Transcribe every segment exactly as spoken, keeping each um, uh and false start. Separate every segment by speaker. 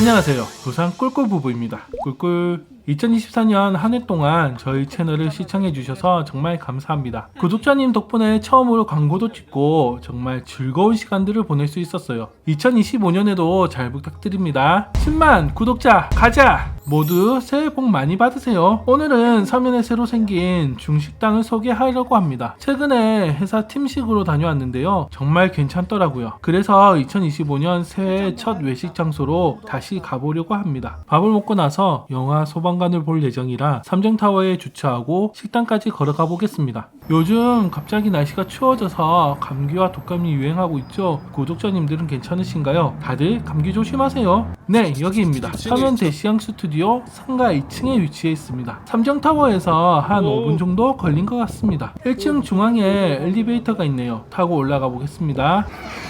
Speaker 1: 안녕하세요. 부산 꿀꿀부부입니다. 꿀꿀. 이천이십사 년 한 해 동안 저희 채널을 시청해주셔서 정말 감사합니다. 구독자님 덕분에 처음으로 광고도 찍고 정말 즐거운 시간들을 보낼 수 있었어요. 이천이십오 년에도 잘 부탁드립니다. 십만 구독자 가자! 모두 새해 복 많이 받으세요. 오늘은 서면에 새로 생긴 중식당을 소개하려고 합니다. 최근에 회사 팀식으로 다녀왔는데요. 정말 괜찮더라고요. 그래서 이천이십오 년 새해 첫 외식 장소로 다시 가보려고 합니다. 밥을 먹고 나서 영화 소방관을 볼 예정이라 삼정타워에 주차하고 식당까지 걸어가 보겠습니다. 요즘 갑자기 날씨가 추워져서 감기와 독감이 유행하고 있죠. 구독자님들은 괜찮으신가요? 다들 감기 조심하세요. 네, 여기입니다. 서면 대시양 스튜디오 상가 이 층에 위치해 있습니다. 삼정타워에서 한 오 분 정도 걸린 것 같습니다. 일 층 중앙에 엘리베이터가 있네요. 타고 올라가 보겠습니다.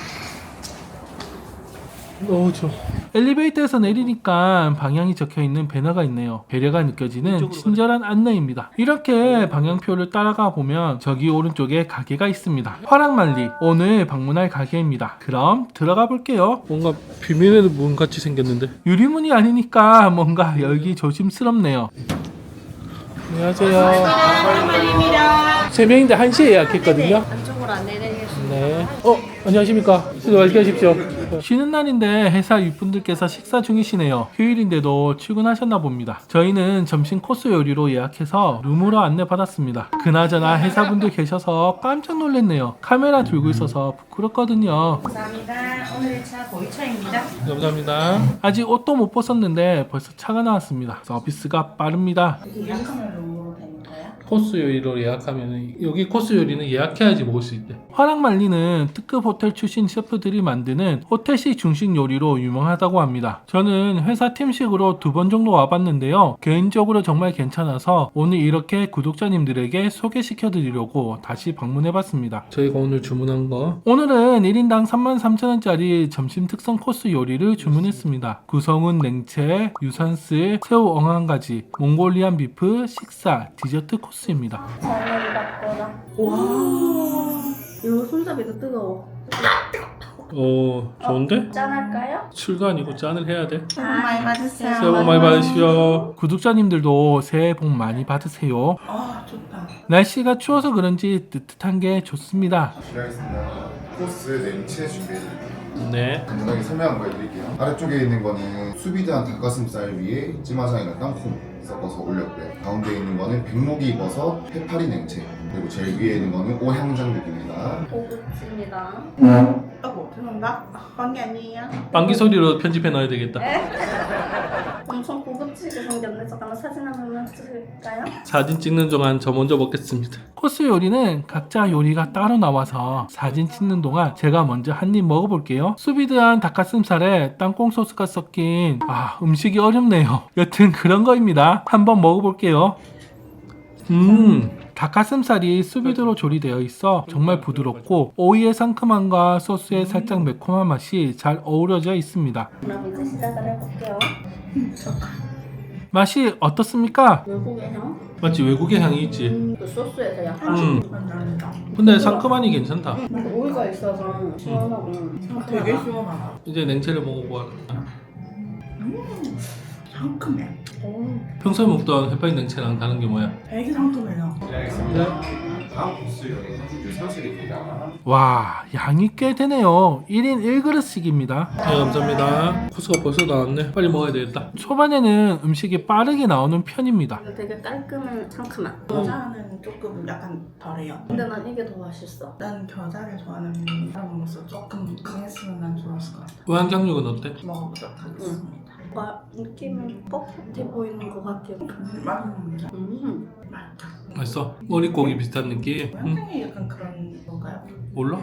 Speaker 1: 오, 저 엘리베이터에서 내리니까 방향이 적혀있는 배너가 있네요. 배려가 느껴지는 친절한 안내입니다. 이렇게 방향표를 따라가 보면 저기 오른쪽에 가게가 있습니다. 화랑말리, 오늘 방문할 가게입니다. 그럼 들어가 볼게요. 뭔가 비밀의 문 같이 생겼는데 유리문이 아니니까 뭔가 열기 조심스럽네요. 안녕하세요.
Speaker 2: 화랑말리입니다.
Speaker 1: 세 명인데 한 시에 예약했거든요.
Speaker 2: 안쪽으로 안내드리겠습니다.
Speaker 1: 네. 어, 안녕하십니까. 수고 맛있게 하십시오. 쉬는 날인데 회사 윗분들께서 식사 중이시네요. 휴일인데도 출근하셨나 봅니다. 저희는 점심 코스 요리로 예약해서 룸으로 안내받았습니다. 그나저나 회사분들 계셔서 깜짝 놀랐네요. 카메라 들고 있어서 부끄럽거든요.
Speaker 2: 감사합니다. 오늘의 차 보이차입니다.
Speaker 1: 감사합니다. 아직 옷도 못 벗었는데 벌써 차가 나왔습니다. 서비스가 빠릅니다.
Speaker 2: 예약하면 룸으로 되는 거야?
Speaker 1: 코스 요리로 예약하면 여기 코스 요리는 예약해야지 먹을 수 있대. 화랑말리는 특급 호텔 출신 셰프들이 만드는 호텔식 중식 요리로 유명하다고 합니다. 저는 회사 팀식으로 두 번 정도 와봤는데요. 개인적으로 정말 괜찮아서 오늘 이렇게 구독자님들에게 소개시켜 드리려고 다시 방문해봤습니다. 저희가 오늘 주문한 거 오늘은 일 인당 삼만 삼천 원짜리 점심 특선 코스 요리를 주문했습니다. 구성은 냉채, 유산슬, 새우 엉한가지, 몽골리안 비프, 식사, 디저트 코스입니다.
Speaker 2: 잘 받거라. 와. 이거 손잡이도 뜨거워.
Speaker 1: 오, 좋은데?
Speaker 2: 어, 짠할까요?
Speaker 1: 술도 아니고 짠을 해야 돼.
Speaker 2: 새해 복 많이 받으세요.
Speaker 1: 새해 복 많이 받으시오. 구독자님들도 새해 복 많이 받으세요.
Speaker 2: 아, 좋다.
Speaker 1: 날씨가 추워서 그런지 뜨뜻한 게 좋습니다.
Speaker 3: 실례하겠습니다. 코스 냉채 준비해드릴게요.
Speaker 1: 네.
Speaker 3: 간단하게 설명 한번 해드릴게요. 아래쪽에 있는 거는 수비드한 닭가슴살 위에 찜화장이랑 땅콩 섞어서 올렸고요. 가운데 있는 거는 백목이 버섯, 해파리 냉채, 그리고 제일 위에 있는 거는 오향장육입니다.
Speaker 2: 고급집니다.
Speaker 4: 아이고 죄송합니다. 딴 게 아니에요.
Speaker 1: 빵기 소리로 편집해 넣어야 되겠다.
Speaker 2: 엄청 고급지게 생겼네. 잠깐만 사진 한 번만 찍을까요?
Speaker 1: 사진 찍는 동안 저 먼저 먹겠습니다. 코스 요리는 각자 요리가 따로 나와서 사진 찍는 동안 제가 먼저 한 입 먹어볼게요. 수비드한 닭가슴살에 땅콩 소스가 섞인 아 음식이 어렵네요. 여튼 그런 거입니다. 한번 먹어볼게요. 음 닭가슴살이 수비드로 조리되어 있어 정말 부드럽고 오이의 상큼함과 소스의 살짝 매콤한 맛이 잘 어우러져 있습니다.
Speaker 2: 그럼 이제 시작을 해볼게요.
Speaker 1: 맛이 어떻습니까?
Speaker 2: 외국의 향?
Speaker 1: 맞지? 외국의 향이 있지.
Speaker 2: 음, 그 소스에서 약간
Speaker 1: 음.
Speaker 4: 감사합니다.
Speaker 1: 근데 상큼하니 괜찮다.
Speaker 2: 음, 오이가 있어서 시원하고
Speaker 4: 되게 시원하다.
Speaker 1: 이제 냉채를 먹어보아.
Speaker 4: 상큼해.
Speaker 2: 오.
Speaker 1: 평소에 먹던 해파리 냉채랑 다른 게 뭐야?
Speaker 4: 되게 상큼해요.
Speaker 3: 다음 코스 유산슬입니다.
Speaker 1: 와, 양이 꽤 되네요. 일 인 일 그릇씩입니다. 네, 감사합니다. 코스가 벌써 나왔네. 빨리 먹어야 되겠다. 초반에는 음식이 빠르게 나오는 편입니다.
Speaker 2: 이거 되게 깔끔한 상큼한.
Speaker 4: 겨자는 조금 약간 덜해요.
Speaker 2: 근데 난 이게 더 맛있어.
Speaker 4: 난 겨자를 좋아하는 사람으로서 조금 강했으면 난 좋았을 것 같아.
Speaker 1: 우양장육은 어때?
Speaker 4: 먹어보도록 하겠습니다.
Speaker 2: 뭔가 느낌은 뻣뻣해 보이는 것 같아요.
Speaker 4: 음, 맛있는데?
Speaker 2: 음.
Speaker 4: 맛있다.
Speaker 1: 맛있어? 머릿고기 비슷한 느낌? 응?
Speaker 4: 완전히 약간 그런 건가요?
Speaker 1: 몰라?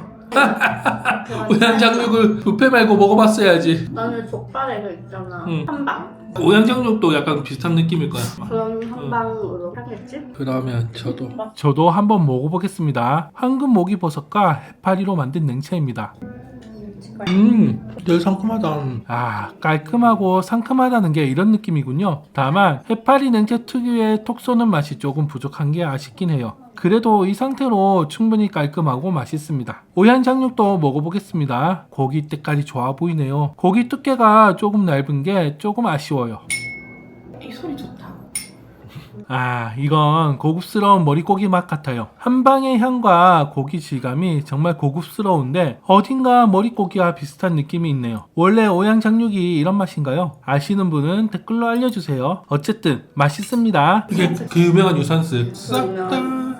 Speaker 1: 우양장육을 뷔페 말고 먹어봤어야지.
Speaker 2: 나는 족발에 그 있잖아.
Speaker 1: 응.
Speaker 2: 한방?
Speaker 1: 우양장육도 약간 비슷한 느낌일 거야.
Speaker 2: 그런 한방으로 하겠지?
Speaker 1: 그러면 저도 저도 한번 먹어보겠습니다. 황금 모기버섯과 해파리로 만든 냉채입니다. 음, 되게 상큼하다. 아, 깔끔하고 상큼하다는 게 이런 느낌이군요. 다만 해파리 냉채 특유의 톡 쏘는 맛이 조금 부족한 게 아쉽긴 해요. 그래도 이 상태로 충분히 깔끔하고 맛있습니다. 오양장육도 먹어보겠습니다. 고기 때깔이 좋아 보이네요. 고기 두께가 조금 얇은 게 조금 아쉬워요.
Speaker 4: 이 소리 좋다.
Speaker 1: 아, 이건 고급스러운 머릿고기 맛 같아요. 한방의 향과 고기 질감이 정말 고급스러운데 어딘가 머릿고기와 비슷한 느낌이 있네요. 원래 오양장육이 이런 맛인가요? 아시는 분은 댓글로 알려주세요. 어쨌든 맛있습니다. 이게 그 유명한 유산슬 싹다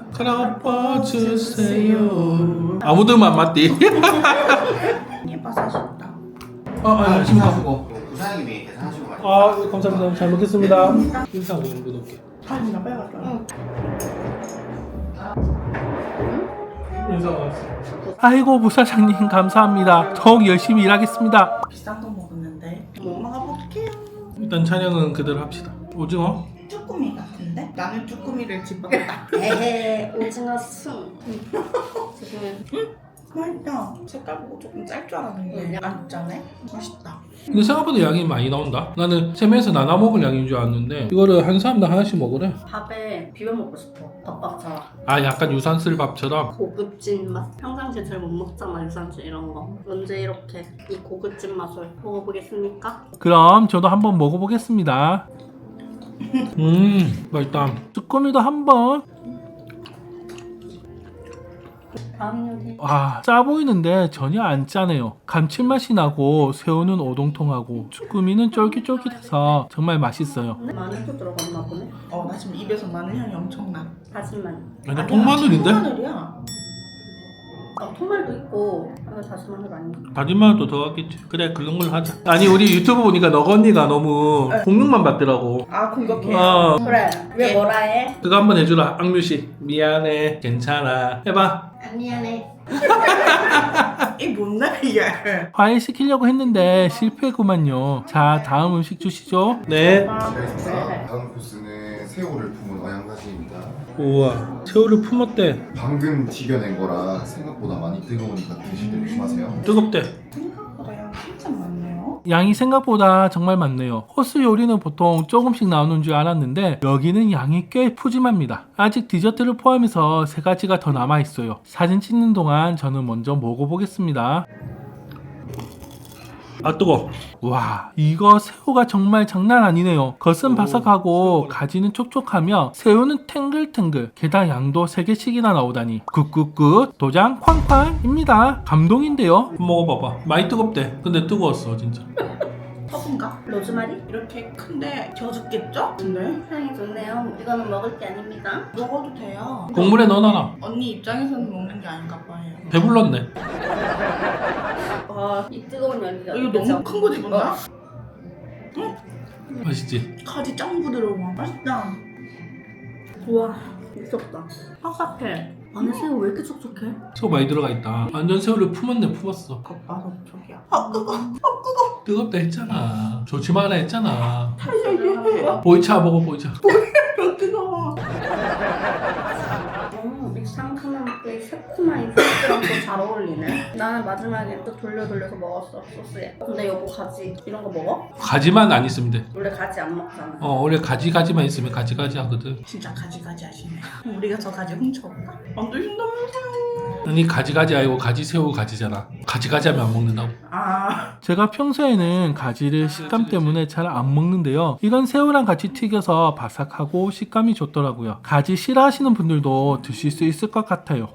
Speaker 1: 갈아엎어주세요. 아무도 안 맞디?
Speaker 4: 예뻐서 아쉽다.
Speaker 1: 아, 아, 지금 가고.
Speaker 5: 부사장님이 계산하시고 가세요.
Speaker 1: 아, 감사합니다. 잘 먹겠습니다. 인상 이런 거 넣을게.
Speaker 4: 아, 나 빨리 갔다 와.
Speaker 1: 아이고 부사장님 감사합니다. 더욱 열심히 일하겠습니다.
Speaker 4: 비싼 거 먹었는데 뭐 먹어볼게요.
Speaker 1: 일단 촬영은 그대로 합시다. 오징어?
Speaker 4: 쭈꾸미 같은데? 나는 쭈꾸미를 집었다.
Speaker 2: 에헤 오징어 순. 지금
Speaker 4: 맛있다. 색깔 보고 조금 짤 줄 알았는데 안 짜네? 맛있다.
Speaker 1: 근데 생각보다 양이 많이 나온다. 나는 세면에서 나눠 먹을 양인 줄 알았는데 이거를 한 사람당 하나씩 먹으래.
Speaker 2: 밥에 비벼 먹고 싶어. 밥밥처럼.
Speaker 1: 아 약간 유산슬 밥처럼.
Speaker 2: 고급진 맛. 평상시에 잘 못 먹잖아 유산슬 이런 거. 언제 이렇게 이 고급진 맛을 먹어보겠습니까?
Speaker 1: 그럼 저도 한번 먹어보겠습니다. 음 맛있다. 쭈꾸미도 한번.
Speaker 2: 다음 요리.
Speaker 1: 와, 짜 보이는데 전혀 안 짜네요. 감칠맛이 나고 새우는 오동통하고 쭈꾸미는 쫄깃쫄깃해서 정말 맛있어요.
Speaker 2: 마늘도 들어갔나 보네.
Speaker 4: 어, 나 지금 입에서 마늘 향이 엄청 나.
Speaker 2: 다진 마늘.
Speaker 1: 아니 통마늘인데?
Speaker 4: 통마늘이야.
Speaker 2: 아 통말도 있고. 이거 다진 마늘 아니야?
Speaker 1: 다진 마늘도 더 같겠지. 그래 그런 걸로 하자. 아니 우리 유튜브 보니까 너가 언니가 너무 공격만 받더라고.
Speaker 4: 아, 공격해.
Speaker 1: 어
Speaker 2: 그래. 왜 뭐라 해?
Speaker 1: 그거 한번 해주라. 악뮤씨 미안해 괜찮아 해봐.
Speaker 2: 아, 미안해.
Speaker 4: 이 뭔데 이게?
Speaker 1: 과일 시키려고 했는데 실패구만요. 자 다음 음식 주시죠. 네.
Speaker 3: 알겠습니다. 다음 코스는 새우를 품은 어양사시입니다.
Speaker 1: 우와 새우를 품었대.
Speaker 3: 방금 튀겨낸 거라 생각보다 많이 뜨거우니까 드실 때 조심하세요.
Speaker 1: 뜨겁대.
Speaker 4: 생각보다 양 진짜 많네요.
Speaker 1: 양이 생각보다 정말 많네요. 코스 요리는 보통 조금씩 나오는 줄 알았는데 여기는 양이 꽤 푸짐합니다. 아직 디저트를 포함해서 세 가지가 더 남아있어요. 사진 찍는 동안 저는 먼저 먹어보겠습니다. 아 뜨거. 와 이거 새우가 정말 장난 아니네요. 겉은 바삭하고 가지는 촉촉하며 새우는 탱글탱글. 게다가 양도 세 개씩이나 나오다니 굿굿굿 도장 쾅쾅입니다. 감동인데요. 먹어봐봐. 많이 뜨겁대. 근데 뜨거웠어 진짜.
Speaker 4: 허브인가?
Speaker 2: 로즈마리?
Speaker 4: 이렇게 큰데 저 죽겠죠? 근데
Speaker 2: 향이 좋네요. 이거는 먹을 게 아닙니다.
Speaker 4: 먹어도 돼요.
Speaker 1: 국물에 넣어놔라.
Speaker 4: 언니 입장에서는 먹는 게 아닌가 봐요.
Speaker 1: 배불렀네.
Speaker 2: 와, 이 뜨거운 연기가.
Speaker 4: 이거 너무 큰 거 집었나?
Speaker 1: 맛있지?
Speaker 4: 가지 짱 부드러워. 맛있다.
Speaker 2: 우와, 미쳤다. 퍽퍽해. 안에 새우 왜 이렇게 촉촉해?
Speaker 1: 새우 많이 들어가 있다. 완전 새우를 품었네 품었어.
Speaker 4: 겉바속 쪽이야. 아, 뜨거.
Speaker 1: 뜨겁다 했잖아. 좋지 마라 했잖아.
Speaker 4: 이게
Speaker 1: 보이차 먹어 보이차.
Speaker 4: 뜨거워.
Speaker 2: 어, 이 상큼한 그 새콤한 이 소스랑 또 잘 어울리네. 나는 마지막에 또 돌려 돌려서 먹었어 소스에. 근데 여보 가지 이런 거 먹어?
Speaker 1: 가지만 안 있으면 돼.
Speaker 2: 원래 가지 안 먹잖아.
Speaker 1: 어 원래 가지 가지만 있으면 가지 가지 하거든.
Speaker 4: 진짜 가지가지 하시네. 우리가 저 가지 훔쳐볼까? 안 드신다면서요.
Speaker 1: 아니 가지 가지 아니고 가지 새우 가지잖아. 가지 가지 하면 안 먹는다고.
Speaker 4: 아,
Speaker 1: 제가 평소에는 가지를 식감 때문에 잘 안 먹는데요. 이건 새우랑 같이 튀겨서 바삭하고 식감이 좋더라고요. 가지 싫어하시는 분들도 드실 수 있을 것 같아요.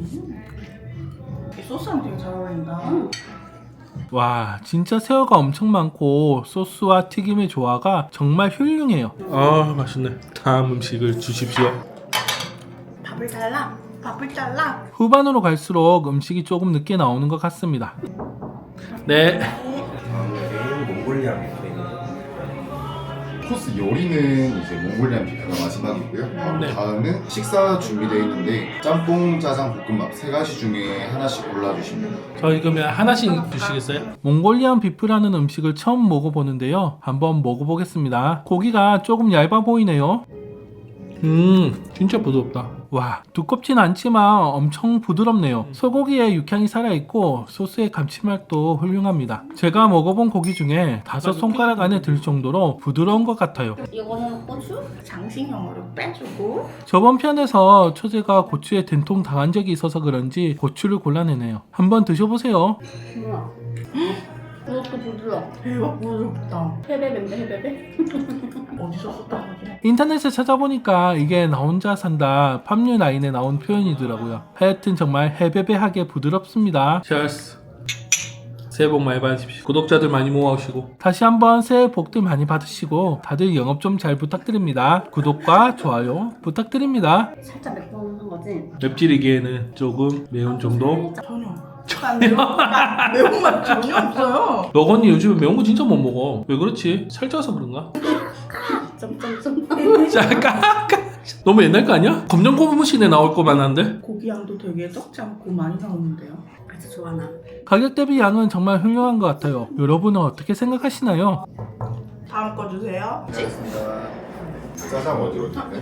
Speaker 4: 이 소스랑 되게 잘 어울린다.
Speaker 2: 음.
Speaker 1: 와 진짜 새우가 엄청 많고 소스와 튀김의 조화가 정말 훌륭해요. 아 맛있네. 다음 음식을 주십시오.
Speaker 4: 밥을 잘라. 밥을 잘라.
Speaker 1: 후반으로 갈수록 음식이 조금 늦게 나오는 것 같습니다. 네.
Speaker 5: 다음은 몽골리아 뷔페입니다.
Speaker 3: 코스 요리는 이제 몽골리안 비프가 마지막이고요. 바로
Speaker 1: 네.
Speaker 3: 다음은 식사 준비되어 있는데 짬뽕, 짜장, 볶음밥 세 가지 중에 하나씩 골라주시면 돼요.
Speaker 1: 저희 그러면 하나씩 주시겠어요? 몽골리안 비프라는 음식을 처음 먹어보는데요. 한번 먹어보겠습니다. 고기가 조금 얇아 보이네요. 음 진짜 부드럽다. 와, 두껍진 않지만 엄청 부드럽네요. 소고기에 육향이 살아있고 소스의 감칠맛도 훌륭합니다. 제가 먹어본 고기 중에 다섯 손가락 안에 들 정도로 부드러운 것 같아요.
Speaker 2: 이거는 고추?
Speaker 4: 장식용으로 빼주고
Speaker 1: 저번 편에서 초제가 고추에 된통 당한 적이 있어서 그런지 고추를 골라내네요. 한번 드셔보세요.
Speaker 2: 뭐야? 이것도 부드러워.
Speaker 4: 대박 부드럽다.
Speaker 2: 해베베인데 해베베?
Speaker 4: 어디서 썼던 거지?
Speaker 1: 인터넷에 찾아보니까 이게 나 혼자 산다 팝류 라인에 나온 표현이더라고요. 하여튼 정말 해베베하게 부드럽습니다. 찰스 새해 복 많이 받으십시오. 구독자들 많이 모아오시고 다시 한번 새해 복들 많이 받으시고 다들 영업 좀 잘 부탁드립니다. 구독과 좋아요 부탁드립니다.
Speaker 2: 살짝 매콤한 거지?
Speaker 1: 맵찔이기에는 조금 매운 정도.
Speaker 4: 전혀. 난 매운맛, 매운맛 전혀 없어요.
Speaker 1: 너 언니 요즘에 매운 거 진짜 못 먹어. 왜 그렇지? 살쪄서 그런가?
Speaker 2: 점점점.
Speaker 1: 잠깐 너무 옛날 거 아니야? 검정 고무신에 나올 거만 한데?
Speaker 4: 고기 양도 되게 적지 않고 많이 나오는데요.
Speaker 2: 그래서 좋아나.
Speaker 1: 가격 대비 양은 정말 훌륭한 것 같아요. 여러분은 어떻게 생각하시나요?
Speaker 4: 다음 거 주세요.
Speaker 3: 알겠습니다. 짜장 어디로 드릴까요?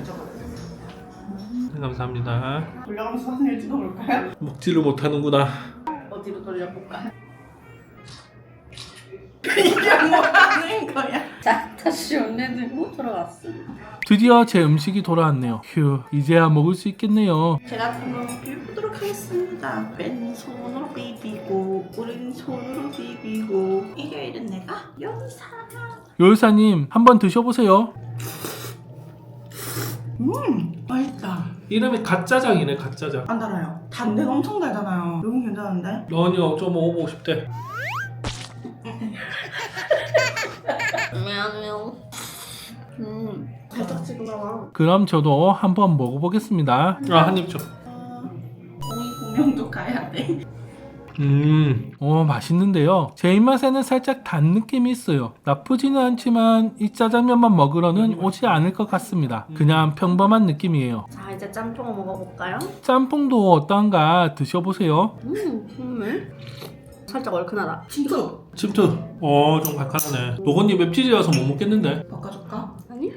Speaker 1: 감사합니다.
Speaker 4: 돌려가면서 사진을 찍어볼까요?
Speaker 1: 먹지를 못하는구나.
Speaker 2: 어디로 돌려볼까?
Speaker 4: 이게 뭐 하는 거야?
Speaker 2: 자, 다시 원래 들고 돌아왔어.
Speaker 1: 드디어 제 음식이 돌아왔네요. 휴, 이제야 먹을 수 있겠네요.
Speaker 4: 제가 한번 비벼보도록 하겠습니다. 왼손으로 비비고 오른손으로 비비고 일요일은 내가 요리사.
Speaker 1: 요리사님 한번 드셔보세요.
Speaker 4: 음 맛있다.
Speaker 1: 이름이 갓짜장이네, 갓짜장.
Speaker 4: 안 달아요. 단데가 엄청 달잖아요. 너무 괜찮은데?
Speaker 1: 너니가 좀 먹어보고 싶대.
Speaker 2: 미안해요. 음, 살짝 찍어봐.
Speaker 1: 그럼 저도 한번 먹어보겠습니다. 아, 한 입 줘.
Speaker 4: 오이 공연도 가야 돼.
Speaker 1: 음, 어 맛있는데요. 제 입맛에는 살짝 단 느낌이 있어요. 나쁘지는 않지만 이 짜장면만 먹으러는 오지 않을 것 같습니다. 그냥 평범한 느낌이에요.
Speaker 2: 자, 이제 짬뽕을 먹어볼까요?
Speaker 1: 짬뽕도 어떠한가 드셔보세요.
Speaker 2: 음, 국물. 살짝 얼큰하다.
Speaker 4: 진짜
Speaker 1: 침투. 어, 좀 칼칼하네. 노건이 맵찔이라서 못 먹겠는데.
Speaker 4: 바꿔줄까?
Speaker 2: 아니?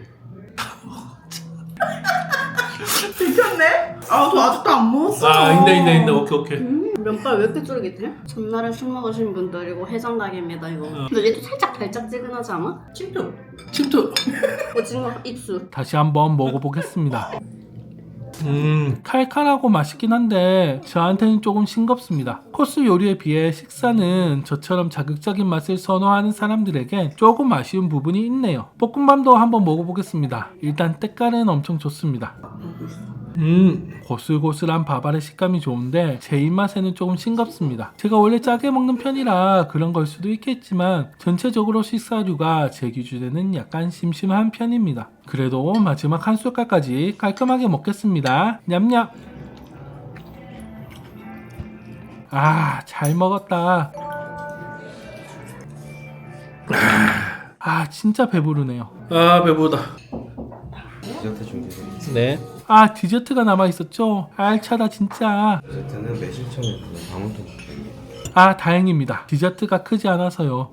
Speaker 4: 들켰네? 아, 저 아직도 안 먹었어.
Speaker 1: 아, 인데 인데 인데 오케이 오케이.
Speaker 2: 음, 면발 왜 이렇게 쫄깃해? 전날에 술 먹으신 분들이고 해장닭입니다 이거. 근데 얘도 살짝 달짝지근하지 않아?
Speaker 4: 침투.
Speaker 1: 침투.
Speaker 2: 오징어 입술.
Speaker 1: 다시 한번 먹어보겠습니다. 음, 칼칼하고 맛있긴 한데 저한테는 조금 싱겁습니다. 코스 요리에 비해 식사는 저처럼 자극적인 맛을 선호하는 사람들에게 조금 아쉬운 부분이 있네요. 볶음밥도 한번 먹어보겠습니다. 일단 때깔은 엄청 좋습니다. 음, 고슬고슬한 밥알의 식감이 좋은데 제 입맛에는 조금 싱겁습니다. 제가 원래 짜게 먹는 편이라 그런 걸 수도 있겠지만 전체적으로 식사류가 제 기준에는 약간 심심한 편입니다. 그래도 마지막 한 숟갈까지 깔끔하게 먹겠습니다. 냠냠. 아, 잘 먹었다. 아, 진짜 배부르네요. 아, 배부르다.
Speaker 5: 디저트 준비되어
Speaker 1: 네. 아, 디저트가 남아있었죠? 알차다 진짜.
Speaker 5: 디저트는 매실청에 부은 방울토마토입니다.
Speaker 1: 아, 다행입니다. 디저트가 크지 않아서요.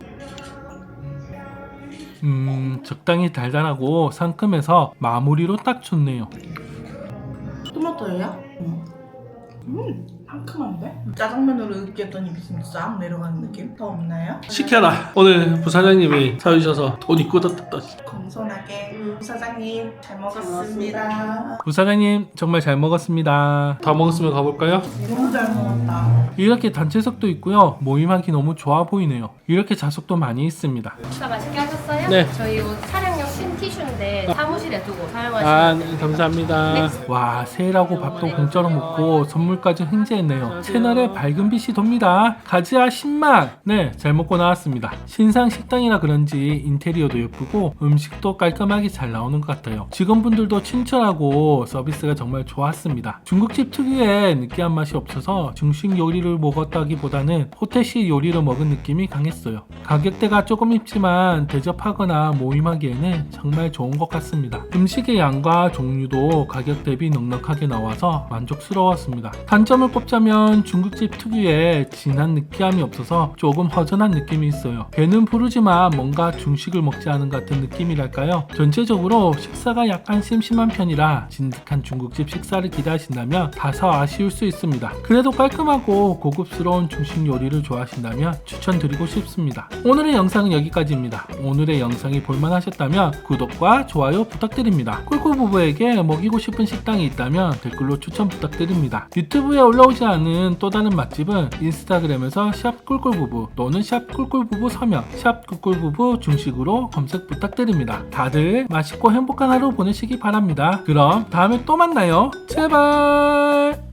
Speaker 1: 음, 적당히 달달하고 상큼해서 마무리로 딱 좋네요.
Speaker 4: 토마토예요? 응. 음, 상큼한데? 짜장면으로 느꼈던 입이 지금 싹 내려가는 느낌? 더 없나요?
Speaker 1: 시켜라. 오늘 부사장님이 사주셔서 돈이 꽂았다.
Speaker 4: 겸손하게
Speaker 2: 음.
Speaker 4: 사장님 잘 먹었습니다.
Speaker 1: 부사장님 정말 잘 먹었습니다. 다 먹었으면 가볼까요?
Speaker 4: 너무 잘 먹었다.
Speaker 1: 이렇게 단체석도 있고요. 모임하기 너무 좋아 보이네요. 이렇게 좌석도 많이 있습니다.
Speaker 6: 식사 맛있게 하셨어요?
Speaker 1: 네.
Speaker 6: 저희 옷 촬영용 신 티슈인데 사무실에 두고 사용하시면
Speaker 1: 아,
Speaker 6: 돼요.
Speaker 1: 네, 감사합니다. 와, 새해라고 밥도 공짜로 먹고 선물까지 횡재했네요. 채널에 밝은 빛이 돕니다. 가즈아 신망! 네, 잘 먹고 나왔습니다. 신상 식당이라 그런지 인테리어도 예쁘고 음식도 깔끔하게 잘 나오는 것 같아요. 직원분들도 친절하고 서비스가 정말 좋았습니다. 중국집 특유의 느끼한 맛이 없어서 중식 요리를 먹었다기보다는 호텔식 요리를 먹은 느낌이 강했어요. 가격대가 조금 있지만 대접하거나 모임하기에는 정말 좋은 것 같습니다. 있습니다. 음식의 양과 종류도 가격 대비 넉넉하게 나와서 만족스러웠습니다. 단점을 꼽자면 중국집 특유의 진한 느끼함이 없어서 조금 허전한 느낌이 있어요. 배는 부르지만 뭔가 중식을 먹지 않은 것 같은 느낌이랄까요. 전체적으로 식사가 약간 심심한 편이라 진득한 중국집 식사를 기대하신다면 다소 아쉬울 수 있습니다. 그래도 깔끔하고 고급스러운 중식 요리를 좋아하신다면 추천드리고 싶습니다. 오늘의 영상은 여기까지입니다. 오늘의 영상이 볼만하셨다면 구독과 좋아요 부탁드립니다. 꿀꿀부부에게 먹이고 싶은 식당이 있다면 댓글로 추천 부탁드립니다. 유튜브에 올라오지 않은 또 다른 맛집은 인스타그램에서 샵 꿀꿀부부 또는 샵 꿀꿀부부 서명, 샵 꿀꿀부부 중식으로 검색 부탁드립니다. 다들 맛있고 행복한 하루 보내시기 바랍니다. 그럼 다음에 또 만나요. 제발.